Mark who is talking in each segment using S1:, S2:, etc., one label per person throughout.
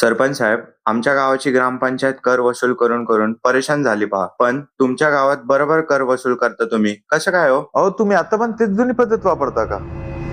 S1: सरपंच साहेब, आमच्या गावाची ग्रामपंचायत कर वसूल करून करून परेशान झाली पहा. पण तुमच्या गावात बरोबर कर वसूल करता तुम्ही, कसं काय हो?
S2: अहो, तुम्ही आता पण तेच जुनी पद्धत वापरता का?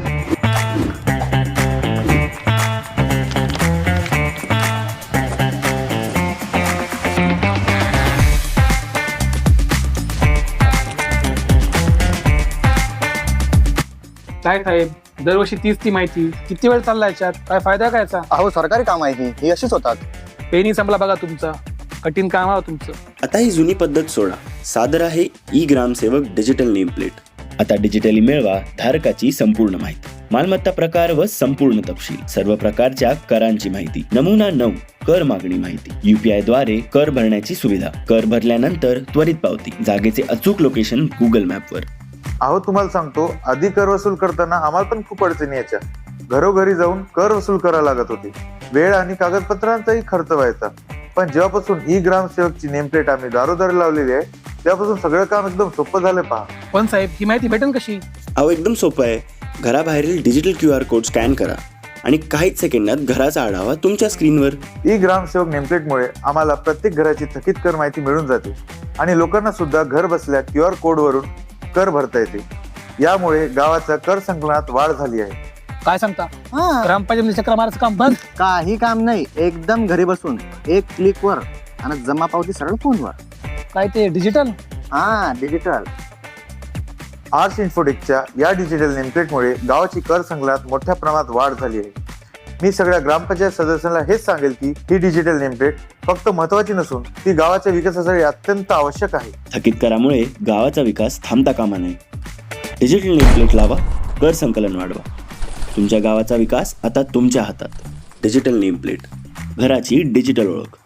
S3: काय साहेब, दरवर्षी तीच ती माहिती, किती वेळ चालला याच्यात? काय फायदा काय याचा?
S4: अहो, सरकारी काम आहे ही अशीच होतात.
S3: पेनी संपला बघा तुमचा, कठीण काम आहे तुमचं.
S5: आता ही जुनी पद्धत सोडा. सादर आहे ई ग्रामसेवक डिजिटल नेम प्लेट. आता डिजिटली मिळवा धारकाची संपूर्ण माहिती, मालमत्ता प्रकार व संपूर्ण तपशील, सर्व प्रकारच्या करांची माहिती, नमुना 9 कर मागणी माहिती, UPI द्वारे कर भरण्याची सुविधा, कर भरल्यानंतर त्वरित पावती, जागेचे अचूक लोकेशन गुगल मॅपवर.
S2: अहो, तुम्हाला सांगतो, आधी कर वसूल करताना आम्हाला पण खूप अडचणी यायच्या. घरोघरी जाऊन कर वसूल करायला लागत होती. वेळ आणि कागदपत्रांचाही खर्च व्हायचा. पण जेव्हापासून ई ग्रामसेवकची नेमप्लेट आम्ही दारोदारी लावलेली आहे, तेव्हापासून सगळं काम एकदम सोपं झालं पहा.
S3: पण साहेब, ही माहिती भेटेल कशी?
S5: अहो, एकदम सोपं आहे. घराबाहेरील डिजिटल QR कोड स्कॅन करा आणि काहीच सेकंदात घराचा आढावा तुमच्या स्क्रीनवर.
S2: ई ग्रामसेवक नेमप्लेटमुळे आम्हाला प्रत्येक घराची थकीत कर माहिती मिळून जाते आणि लोकांना सुद्धा घर बसल्या QR कोडवरून कर भरता येते. यामुळे गावाच्या कर संकलनात वाढ झाली आहे.
S3: काय सांगता? ग्रामपंचायत चक्र मारायचं काम बंद?
S4: काही काम नाही, एकदम घरी बसून एक क्लिक वर आणि जमा पावती सरळ फोनवर.
S3: काय ते डिजिटल?
S4: हा, डिजिटल.
S2: आर्स इन्फोटेकच्या या डिजिटल नेमप्लेटमुळे गावाची कर संकलनात मोठ्या प्रमाणात वाढ झाली आहे. मी सगळ्या ग्रामपंचायत सदस्यांना हेच सांगेल की ही डिजिटल नेमप्लेट फक्त महत्वाची नसून ती गावाच्या विकासासाठी अत्यंत आवश्यक आहे.
S5: थकीत करामुळे गावाचा विकास थांबता कामा नये. डिजिटल नेम प्लेट लावा, कर संकलन वाढवा. तुमच्या गावाचा विकास आता तुमच्या हातात. डिजिटल नेम प्लेट, घराची डिजिटल ओळख.